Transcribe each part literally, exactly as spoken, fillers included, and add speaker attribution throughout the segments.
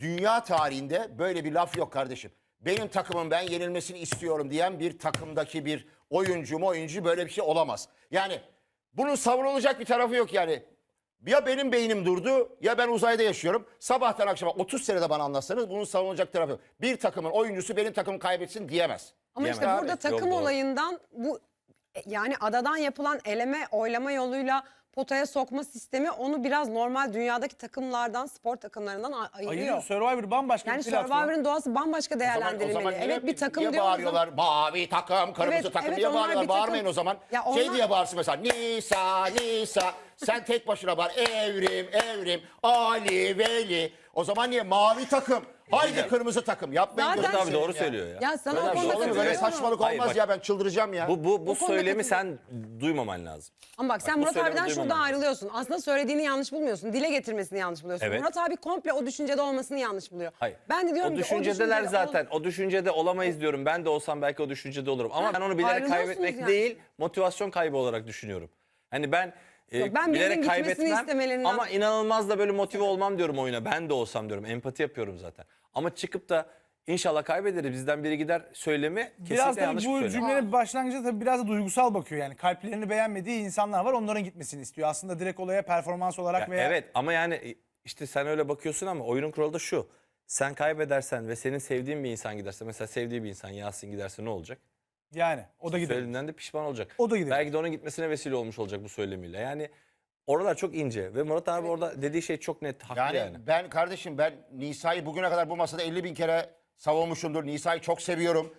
Speaker 1: dünya tarihinde böyle bir laf yok kardeşim. Benim takımım ben yenilmesini istiyorum diyen bir takımdaki bir oyuncu mu oyuncu böyle bir şey olamaz. Yani bunun savunulacak bir tarafı yok yani. Ya benim beynim durdu ya ben uzayda yaşıyorum. Sabahtan akşama otuz senede bana anlatsanız bunun savunulacak tarafı yok. Bir takımın oyuncusu benim takımı kaybetsin diyemez.
Speaker 2: Ama
Speaker 1: Diyemez.
Speaker 2: işte burada
Speaker 1: Abi.
Speaker 2: takım
Speaker 3: Yok, doğru.
Speaker 2: olayından bu yani adadan yapılan eleme oylama yoluyla potaya sokma sistemi onu biraz normal dünyadaki takımlardan, spor takımlarından a- ayırıyor.
Speaker 4: Ayırıyor. Survivor bambaşka
Speaker 2: Yani
Speaker 4: bir platform.
Speaker 2: Survivor'ın doğası bambaşka
Speaker 1: O zaman-
Speaker 2: değerlendirilmeli.
Speaker 1: o zaman niye-
Speaker 2: Evet bir takım
Speaker 1: niye
Speaker 2: diyoruz ama-
Speaker 1: bağırıyorlar? Mavi takım, kırmızı
Speaker 2: Evet,
Speaker 1: takım
Speaker 2: evet,
Speaker 1: diye
Speaker 2: onlar
Speaker 1: bağırıyorlar.
Speaker 2: bir takım.
Speaker 1: Bağırmayın o zaman.
Speaker 2: Ya
Speaker 1: Şey
Speaker 2: onlar-
Speaker 1: diye bağırsın mesela. Nisa, Nisa. Sen tek başına bağır. Evrim, Evrim. Ali, Veli. O zaman niye? Mavi takım. Haydi kırmızı takım. Yapmayın.
Speaker 2: Zaten-
Speaker 1: gözünü
Speaker 3: Murat abi
Speaker 1: seveyim
Speaker 3: doğru
Speaker 1: ya.
Speaker 3: söylüyor ya.
Speaker 2: Ya sana
Speaker 1: Böyle,
Speaker 2: o
Speaker 1: bir şey
Speaker 2: konuda
Speaker 1: olur mu? Böyle
Speaker 2: katılıyorum.
Speaker 1: saçmalık
Speaker 3: Hayır,
Speaker 1: olmaz
Speaker 3: bak.
Speaker 1: ya, ben çıldıracağım ya.
Speaker 3: Bu, bu, bu
Speaker 2: Bu konuda
Speaker 3: söylemi
Speaker 2: katılıyorum.
Speaker 3: sen duymaman lazım.
Speaker 2: Ama bak sen
Speaker 3: Bak, bu
Speaker 2: Murat
Speaker 3: söylemi
Speaker 2: abiden şurada
Speaker 3: duymamam.
Speaker 2: ayrılıyorsun. Aslında söylediğini yanlış bulmuyorsun. Dile getirmesini yanlış buluyorsun.
Speaker 3: Evet.
Speaker 2: Murat abi komple o düşüncede olmasını yanlış buluyor.
Speaker 3: Hayır.
Speaker 2: Ben de diyorum
Speaker 3: o
Speaker 2: ki
Speaker 3: düşüncedeler
Speaker 2: o düşüncede
Speaker 3: zaten. O düşüncede olamayız diyorum. Ben de olsam belki o düşüncede olurum. Ama
Speaker 2: Ha,
Speaker 3: ben onu bilerek
Speaker 2: ayrılıyorsunuz
Speaker 3: kaybetmek
Speaker 2: yani.
Speaker 3: değil, motivasyon kaybı olarak düşünüyorum. Hani ben, e,
Speaker 2: Yok, ben birinin
Speaker 3: bilerek
Speaker 2: gitmesini
Speaker 3: kaybetmem
Speaker 2: istemelerinden-
Speaker 3: ama inanılmaz da böyle motive olmam diyorum oyuna. Ben de olsam diyorum. Empati yapıyorum zaten. Ama çıkıp da inşallah kaybederiz, bizden biri gider söylemi kesinlikle
Speaker 4: Biraz tabii
Speaker 3: yanlış bir
Speaker 4: bu
Speaker 3: söylem.
Speaker 4: cümlenin başlangıcında tabii biraz da duygusal bakıyor. Yani kalplerini beğenmediği insanlar var, onların gitmesini istiyor. Aslında direkt olaya performans olarak
Speaker 3: Ya
Speaker 4: veya...
Speaker 3: evet ama yani e, işte sen öyle bakıyorsun ama oyunun kuralı da şu. Sen kaybedersen ve senin sevdiğin bir insan giderse, mesela sevdiği bir insan Yasin giderse ne olacak?
Speaker 4: Yani o da gidiyor.
Speaker 3: Söylediğinden de pişman olacak.
Speaker 4: O da gidiyor.
Speaker 3: Belki de onun gitmesine vesile olmuş olacak bu söylemiyle. Yani oralar çok ince ve Murat abi orada dediği şey çok net, haklı
Speaker 1: Yani,
Speaker 3: yani.
Speaker 1: ben kardeşim ben Nisa'yı bugüne kadar bu masada elli bin kere savunmuşumdur. Nisa'yı çok seviyorum.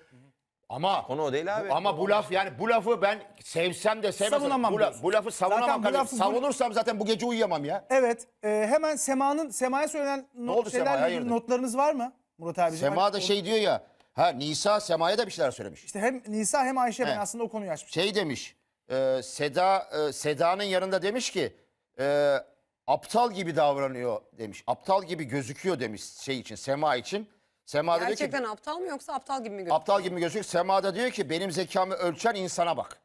Speaker 1: Ama
Speaker 3: Konu o değil abi.
Speaker 1: bu- ama bu laf yani bu lafı ben sevsem de sevmesem
Speaker 4: Savunamam
Speaker 1: bu, la-
Speaker 4: diyorsun.
Speaker 1: bu lafı savunamam
Speaker 4: Zaten bu
Speaker 1: kardeşim.
Speaker 4: lafı bu-
Speaker 1: Savunursam zaten bu gece uyuyamam ya.
Speaker 4: Evet. e, hemen Sema'nın Sema'ya söylenen not,
Speaker 1: oldu Sema'ya,
Speaker 4: şeylerle ilgili
Speaker 1: hayırdır?
Speaker 4: notlarınız var mı Murat abiciğim?
Speaker 1: Sema
Speaker 4: Hani
Speaker 1: da
Speaker 4: o-
Speaker 1: şey diyor ya. Ha Nisa Sema'ya da bir şeyler söylemiş.
Speaker 4: İşte hem Nisa hem Ayşe, ben
Speaker 1: He.
Speaker 4: aslında o konuyu açmışım.
Speaker 1: Şey demiş. e, Seda e, Seda'nın yanında demiş ki e, aptal gibi davranıyor demiş. Aptal gibi gözüküyor demiş şey için, Sema için. Sema da diyor ki
Speaker 2: Gerçekten aptal mı yoksa aptal gibi mi gözüküyor?
Speaker 1: aptal gibi mi gözüküyor? Sema da diyor ki benim zekamı ölçen insana bak.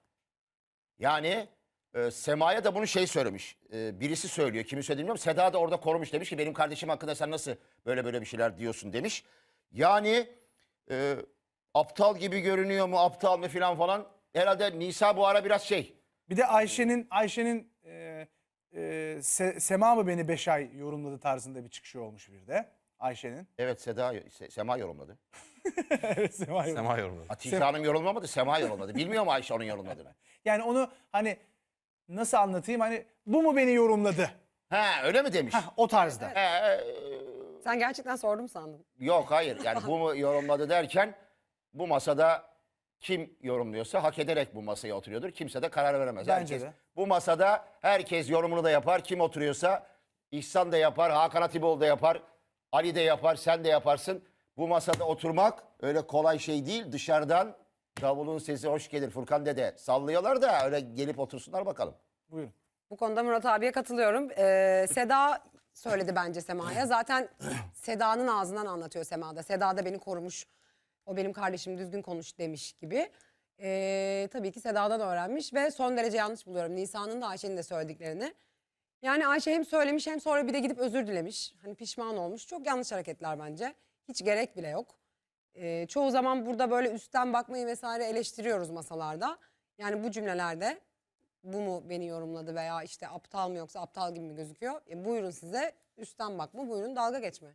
Speaker 1: Yani e, Sema'ya da bunu şey söylemiş. E, birisi söylüyor. Kimi söylediğini bilmiyorum. Seda da orada korumuş, demiş ki benim kardeşim hakkında sen nasıl böyle böyle bir şeyler diyorsun demiş. Yani e, aptal gibi görünüyor mu, aptal mı filan falan. Herhalde Nisa bu ara biraz şey.
Speaker 4: Bir de Ayşe'nin Ayşe'nin e, e, Se- Sema mı beni beş ay yorumladı tarzında bir çıkışı olmuş bir de Ayşe'nin.
Speaker 1: Evet Seda, Se- Sema yorumladı.
Speaker 4: Evet, Sema yorumladı.
Speaker 3: Sema yorumladı.
Speaker 1: Hatice Hanım yorumlamadı, Sema yorumladı. Bilmiyor mu Ayşe onun yorumladığını?
Speaker 4: Yani onu hani nasıl anlatayım, hani bu mu beni yorumladı?
Speaker 1: Ha öyle mi demiş?
Speaker 4: Hah, o tarzda.
Speaker 1: He, e,
Speaker 2: Sen gerçekten sordum sandım.
Speaker 1: Yok hayır, yani bu mu yorumladı derken bu masada kim yorumluyorsa hak ederek bu masaya oturuyordur. Kimse de karar veremez.
Speaker 4: Bence
Speaker 1: herkes,
Speaker 4: de.
Speaker 1: Bu masada herkes yorumunu da yapar. Kim oturuyorsa İhsan da yapar, Hakan Atipoğlu da yapar, Ali de yapar, sen de yaparsın. Bu masada oturmak öyle kolay şey değil. Dışarıdan davulun sesi hoş gelir Furkan dede sallıyorlar da öyle gelip otursunlar bakalım.
Speaker 4: Buyurun.
Speaker 2: Bu konuda Murat abiye katılıyorum. Ee, Seda söyledi bence Sema'ya. Zaten Seda'nın ağzından anlatıyor Sema'da. Seda da beni korumuş. O benim kardeşim, düzgün konuş demiş gibi. Ee, tabii ki Seda'dan öğrenmiş ve son derece yanlış buluyorum Nisa'nın da Ayşe'nin de söylediklerini. Yani Ayşe hem söylemiş hem sonra bir de gidip özür dilemiş. Hani pişman olmuş. Çok yanlış hareketler bence. Hiç gerek bile yok. Ee, çoğu zaman burada böyle üstten bakmayı vesaire eleştiriyoruz masalarda. Yani bu cümlelerde bu mu beni yorumladı veya işte aptal mı yoksa aptal gibi mi gözüküyor? E, buyurun size üstten bakma, buyurun dalga geçme.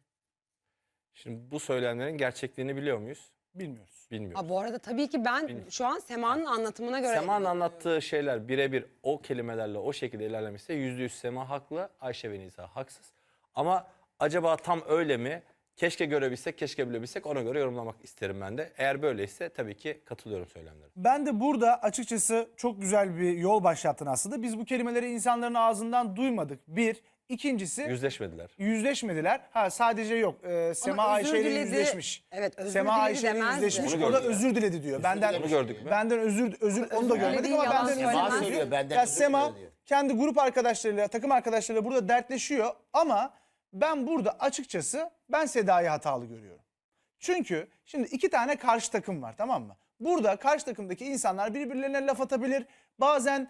Speaker 3: Şimdi bu söylemlerin gerçekliğini biliyor muyuz?
Speaker 4: Bilmiyoruz.
Speaker 3: Bilmiyoruz.
Speaker 2: Ha, bu arada tabii ki ben şu an Sema'nın anlatımına göre...
Speaker 3: Sema'nın anlattığı şeyler birebir o kelimelerle o şekilde ilerlemişse yüzde yüz Sema haklı, Ayşe ve Nisa haksız. Ama acaba tam öyle mi? Keşke görebilsek, keşke bilebilsek, ona göre yorumlamak isterim ben de. Eğer böyleyse tabii ki katılıyorum söylemlere.
Speaker 4: Ben de burada açıkçası çok güzel bir yol başlattın aslında. Biz bu kelimeleri insanların ağzından duymadık. Bir. İkincisi
Speaker 3: Yüzleşmediler.
Speaker 4: yüzleşmediler. Ha sadece yok. Ee, Sema
Speaker 2: özür
Speaker 4: Ayşe ile
Speaker 2: diledi.
Speaker 4: yüzleşmiş.
Speaker 2: Evet, özür
Speaker 4: Sema
Speaker 2: diledi
Speaker 4: Ayşe ile
Speaker 2: demezdi.
Speaker 4: yüzleşmiş.
Speaker 3: Onu
Speaker 4: O da
Speaker 3: gördük
Speaker 4: özür diledi diyor. Benden
Speaker 3: Onu gördük mü?
Speaker 4: Benden özür özür onu da
Speaker 2: Özür
Speaker 4: görmedik
Speaker 2: dilediği
Speaker 4: ama
Speaker 2: yalan
Speaker 4: benden özür
Speaker 2: söylemez.
Speaker 4: diledi.
Speaker 1: Söylüyor, benden
Speaker 4: Ya
Speaker 1: özür
Speaker 4: Sema
Speaker 1: diledi diyor.
Speaker 4: kendi grup arkadaşlarıyla, takım arkadaşlarıyla burada dertleşiyor ama ben burada açıkçası ben Seda'yı hatalı görüyorum. Çünkü şimdi iki tane karşı takım var, tamam mı? Burada karşı takımdaki insanlar birbirlerine laf atabilir. Bazen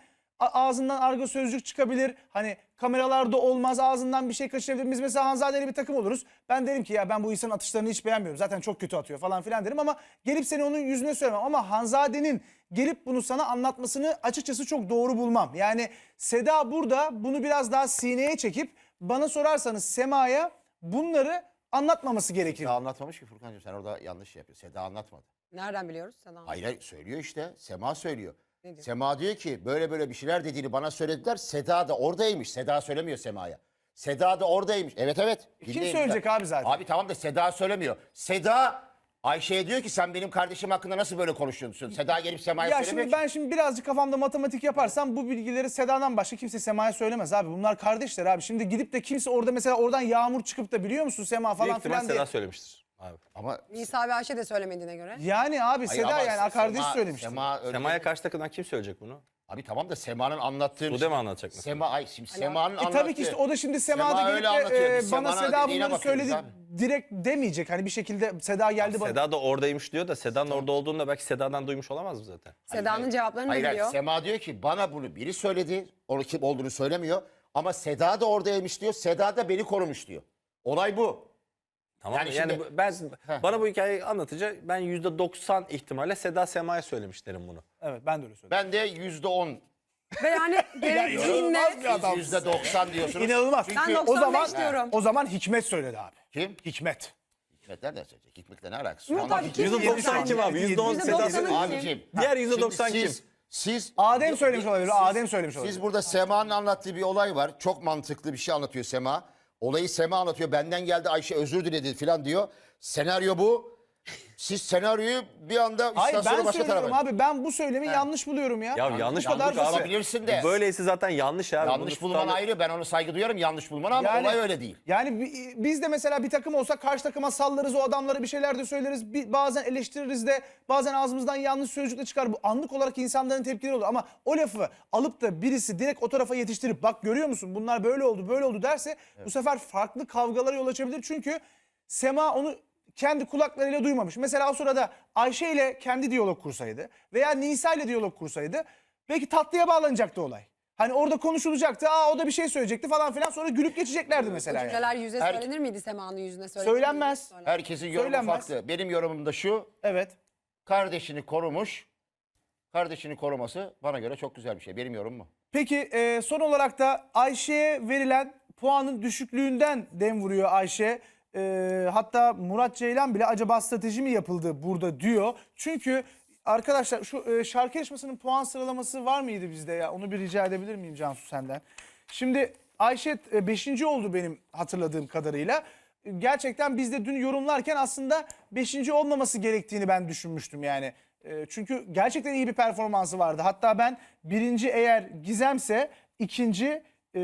Speaker 4: A- ağzından argo sözcük çıkabilir. Hani kameralarda olmaz, ağzından bir şey kaçırabilir. Biz mesela Hanzade'yle bir takım oluruz. Ben derim ki ya ben bu insanın atışlarını hiç beğenmiyorum. Zaten çok kötü atıyor falan filan derim ama gelip seni onun yüzüne söylemem. Ama Hanzade'nin gelip bunu sana anlatmasını açıkçası çok doğru bulmam. Yani Seda burada bunu biraz daha sineye çekip bana sorarsanız Sema'ya bunları anlatmaması gerekir.
Speaker 1: Seda anlatmamış ki Furkan'cığım, sen orada yanlış yapıyorsun. Seda anlatmadı.
Speaker 2: Nereden biliyoruz? Seda Hanım?
Speaker 1: Hayır hayır, söylüyor işte. Sema söylüyor.
Speaker 2: Ne diyor?
Speaker 1: Sema diyor ki böyle böyle bir şeyler dediğini bana söylediler. Seda da oradaymış. Seda söylemiyor Sema'ya. Seda da oradaymış. Evet evet.
Speaker 4: Kim
Speaker 1: Dinleyin
Speaker 4: söyleyecek
Speaker 1: lütfen.
Speaker 4: abi zaten?
Speaker 1: Abi tamam da Seda söylemiyor. Seda Ayşe'ye diyor ki sen benim kardeşim hakkında nasıl böyle konuşuyorsun? Seda gelip Sema'ya
Speaker 4: Ya
Speaker 1: söylemiyor
Speaker 4: şimdi
Speaker 1: ki.
Speaker 4: ben şimdi birazcık kafamda matematik yaparsam bu bilgileri Seda'dan başka kimse Sema'ya söylemez abi. Bunlar kardeşler abi. Şimdi gidip de kimse orada mesela oradan Yağmur çıkıp da biliyor musun Sema
Speaker 3: Büyük
Speaker 4: falan
Speaker 3: ihtimal
Speaker 4: filan diye.
Speaker 3: Seda söylemiştir abi.
Speaker 1: Ama
Speaker 2: Nisa ve Ayşe de söylemediğine göre.
Speaker 4: Yani abi
Speaker 1: hayır,
Speaker 4: Seda
Speaker 1: ama
Speaker 4: yani kardeş
Speaker 1: Sema-
Speaker 4: söylemişti.
Speaker 1: Sema öyle-
Speaker 3: Sema'ya karşı takımdan kim söyleyecek bunu?
Speaker 1: Abi tamam da Sema'nın anlattığı...
Speaker 3: Sude mi anlatacak mesela?
Speaker 1: Sema, ay şimdi Sema'nın
Speaker 4: E
Speaker 1: anlattığı...
Speaker 4: tabii ki işte o da şimdi Sema'da
Speaker 1: Sema
Speaker 4: gelip
Speaker 1: öyle
Speaker 4: de
Speaker 1: anlatıyor.
Speaker 4: e,
Speaker 1: Biz
Speaker 4: bana
Speaker 1: Sema'nın
Speaker 4: Seda
Speaker 1: dediğine
Speaker 4: bunları
Speaker 1: bakıyoruz
Speaker 4: söyledi
Speaker 1: abi.
Speaker 4: direkt demeyecek. Hani bir şekilde Seda geldi bana.
Speaker 3: Seda da oradaymış diyor da Seda'nın orada olduğunu da belki Seda'dan duymuş olamaz mı zaten?
Speaker 2: Seda'nın cevaplarını
Speaker 1: Hayır,
Speaker 2: da
Speaker 1: hayır,
Speaker 2: biliyor.
Speaker 1: Sema diyor ki bana bunu biri söyledi. Onu kim olduğunu söylemiyor. Ama Seda da oradaymış diyor. Seda da beni korumuş diyor. Olay bu.
Speaker 3: Tamam
Speaker 1: Yani
Speaker 3: yani,
Speaker 1: şimdi-
Speaker 3: bu- ben
Speaker 1: Heh.
Speaker 3: bana bu hikayeyi anlatınca ben yüzde doksan ihtimalle Seda Sema'ya söylemiş derim bunu.
Speaker 4: Evet ben de öyle söyledim.
Speaker 1: Ben de yüzde on,
Speaker 2: Ve yani gerektiğinde
Speaker 4: inanılmaz bir adam.
Speaker 1: yüzde doksan diyorsunuz.
Speaker 4: İnanılmaz.
Speaker 2: Ben
Speaker 4: Çünkü o
Speaker 2: doksan
Speaker 4: zaman
Speaker 2: beş diyorum.
Speaker 4: o zaman Hikmet söyledi abi.
Speaker 1: Kim?
Speaker 4: Hikmet.
Speaker 1: Hikmet nereden söyleyecek? Hikmet'le ne alakası?
Speaker 2: Yok
Speaker 1: Ama
Speaker 2: abi, kim
Speaker 3: yüzde
Speaker 2: bilir
Speaker 3: doksan
Speaker 2: sence?
Speaker 3: kim abi? yüzde on
Speaker 2: yüzde
Speaker 3: Seda
Speaker 2: doksanı
Speaker 3: Sema'ya.
Speaker 2: kim?
Speaker 1: Abicim.
Speaker 3: Diğer yüzde
Speaker 1: şimdi
Speaker 3: doksan kim?
Speaker 1: siz, Siz...
Speaker 4: Adem söylemiş olabilir.
Speaker 1: Siz-
Speaker 4: Adem söylemiş olabilir.
Speaker 1: Siz burada Sema'nın anlattığı bir olay var. Çok mantıklı bir şey anlatıyor Sema. Olayı Sema anlatıyor. Benden geldi Ayşe özür diledi falan diyor. Senaryo bu. Siz senaryoyu bir anda
Speaker 4: Hayır
Speaker 1: istasyonu
Speaker 4: ben
Speaker 1: başka
Speaker 4: söylüyorum
Speaker 1: tarafa...
Speaker 4: abi. Ben bu söylemi yanlış buluyorum ya.
Speaker 3: Ya yanlış
Speaker 4: Bu kadar
Speaker 3: bulduk
Speaker 4: basit.
Speaker 3: abi.
Speaker 1: Olabilirsin de.
Speaker 3: Böyleyse zaten yanlış abi.
Speaker 1: Yanlış
Speaker 3: Bunu
Speaker 1: bulman
Speaker 3: tutarlı-
Speaker 1: ayrı. Ben onu saygı duyuyorum. Yanlış bulman ama olay öyle değil.
Speaker 4: Yani bi- biz de mesela bir takım olsa karşı takıma sallarız, o adamlara bir şeyler de söyleriz. Bir, bazen eleştiririz de bazen ağzımızdan yanlış sözcük de çıkar. Bu anlık olarak insanların tepkileri olur. Ama o lafı alıp da birisi direkt o tarafa yetiştirip bak görüyor musun bunlar böyle oldu böyle oldu derse bu sefer farklı kavgalara yol açabilir. Çünkü Sema onu kendi kulaklarıyla duymamış. Mesela o sırada Ayşe ile kendi diyalog kursaydı veya Nisa ile diyalog kursaydı belki tatlıya bağlanacaktı olay. Hani orada konuşulacaktı. Aa o da bir şey söyleyecekti falan filan. Sonra gülüp geçeceklerdi mesela yani.
Speaker 2: Cümleler yüze
Speaker 1: Her-
Speaker 2: söylenir miydi Sema'nın yüzüne? Söylenir
Speaker 4: Söylenmez.
Speaker 2: miydi? Söylenmez.
Speaker 1: Herkesin yorumu
Speaker 4: Söylenmez.
Speaker 1: farklı. Benim yorumum da şu.
Speaker 4: Evet.
Speaker 1: Kardeşini korumuş. Kardeşini koruması bana göre çok güzel bir şey. Benim yorumum bu.
Speaker 4: Peki e, son olarak da Ayşe'ye verilen puanın düşüklüğünden dem vuruyor Ayşe. E, hatta Murat Ceylan bile acaba strateji mi yapıldı burada diyor. Çünkü arkadaşlar şu e, şarkı yarışmasının puan sıralaması var mıydı bizde ya? Onu bir rica edebilir miyim Cansu senden? Şimdi Ayşe beşinci oldu benim hatırladığım kadarıyla. E, Gerçekten biz de dün yorumlarken aslında beşinci olmaması gerektiğini ben düşünmüştüm yani. E, Çünkü gerçekten iyi bir performansı vardı. Hatta ben birinci eğer Gizem'se ikinci e,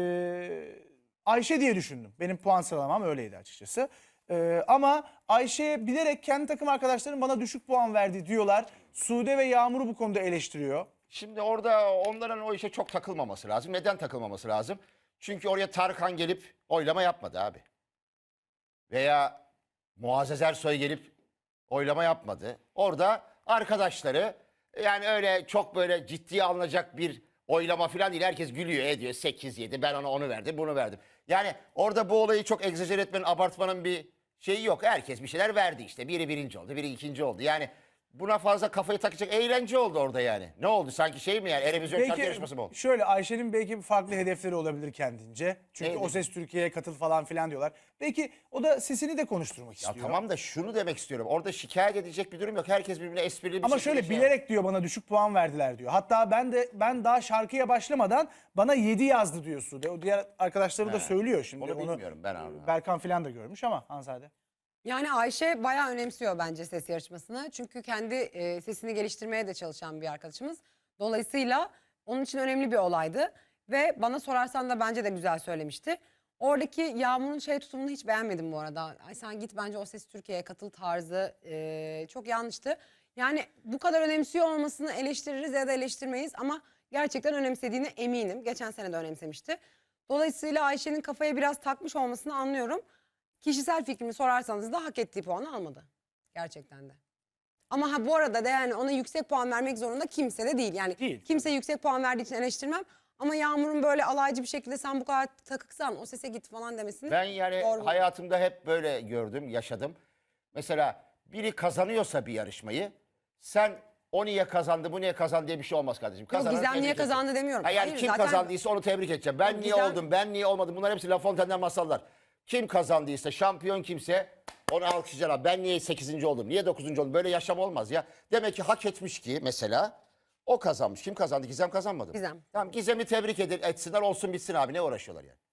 Speaker 4: Ayşe diye düşündüm. Benim puan sıralamam öyleydi açıkçası. E, ama Ayşe'ye bilerek kendi takım arkadaşlarım bana düşük puan verdi diyorlar. Sude ve Yağmur'u bu konuda eleştiriyor.
Speaker 1: Şimdi orada onların o işe çok takılmaması lazım. Neden takılmaması lazım? Çünkü oraya Tarkan gelip oylama yapmadı abi. Veya Muazzez Ersoy gelip oylama yapmadı. Orada arkadaşları yani öyle çok böyle ciddiye alınacak bir oylama falan değil. Herkes gülüyor ediyor sekiz yedi ben ona onu verdim bunu verdim. Yani orada bu olayı çok egzajer etmenin abartmanın bir şeyi yok. Herkes bir şeyler verdi işte. Biri birinci oldu biri ikinci oldu. Yani buna fazla kafayı takacak eğlence oldu orada yani. Ne oldu sanki şey mi yani Erevizyon şarkı yarışması mı oldu?
Speaker 4: Şöyle Ayşe'nin belki farklı hedefleri olabilir kendince. Çünkü
Speaker 1: Neydi?
Speaker 4: O Ses Türkiye'ye katıl falan filan diyorlar. Belki o da sesini de konuşturmak
Speaker 1: Ya
Speaker 4: istiyor.
Speaker 1: tamam da şunu demek istiyorum. Orada şikayet edecek bir durum yok. Herkes birbirine esprili bir
Speaker 4: Ama
Speaker 1: şekilde
Speaker 4: şöyle
Speaker 1: şey
Speaker 4: bilerek diyor bana düşük puan verdiler diyor. Hatta ben de ben daha şarkıya başlamadan bana yedi yazdı diyor Sude. O diğer arkadaşları da söylüyor şimdi.
Speaker 1: Onu bilmiyorum ben abi.
Speaker 4: Berkan filan da görmüş ama Hanzade.
Speaker 2: Yani Ayşe bayağı önemsiyor bence ses yarışmasını. Çünkü kendi e, sesini geliştirmeye de çalışan bir arkadaşımız. Dolayısıyla onun için önemli bir olaydı. Ve bana sorarsan da bence de güzel söylemişti. Oradaki Yağmur'un şey tutumunu hiç beğenmedim bu arada. Ay sen git bence O Ses Türkiye'ye katıl tarzı e, çok yanlıştı. Yani bu kadar önemsiyor olmasını eleştiririz ya da eleştirmeyiz ama gerçekten önemsediğine eminim. Geçen sene de önemsemişti. Dolayısıyla Ayşe'nin kafaya biraz takmış olmasını anlıyorum. Kişisel fikrimi sorarsanız da hak ettiği puanı almadı. Gerçekten de. Ama ha bu arada da yani ona yüksek puan vermek zorunda kimse de değil. Yani
Speaker 4: Değil.
Speaker 2: kimse yüksek puan verdiği için eleştirmem. Ama Yağmur'un böyle alaycı bir şekilde sen bu kadar takıksan o sese git falan demesini
Speaker 1: Ben yani
Speaker 2: doğru buluyorum.
Speaker 1: hayatımda hep böyle gördüm, yaşadım. Mesela biri kazanıyorsa bir yarışmayı, sen o niye kazandı, bu niye kazandı diye bir şey olmaz kardeşim. Kazanan
Speaker 2: Gizem
Speaker 1: tebrik
Speaker 2: niye
Speaker 1: edeceğim.
Speaker 2: kazandı demiyorum.
Speaker 1: Ha yani
Speaker 2: Hayır,
Speaker 1: kim
Speaker 2: zaten-
Speaker 1: kazandıysa onu tebrik edeceğim. Ben
Speaker 2: Yok,
Speaker 1: niye
Speaker 2: Gizem-
Speaker 1: oldum, ben niye olmadım, bunlar hepsi La Fontaine'den masallar. Kim kazandıysa, şampiyon kimse onu alkışlayacaklar. Ben niye sekizinci oldum, niye dokuzuncu oldum, böyle yaşam olmaz ya. Demek ki hak etmiş ki mesela o kazanmış. Kim kazandı? Gizem kazanmadı.
Speaker 2: Gizem.
Speaker 1: Tamam, Gizem'i tebrik edin, etsinler, olsun bitsin abi, ne uğraşıyorlar yani.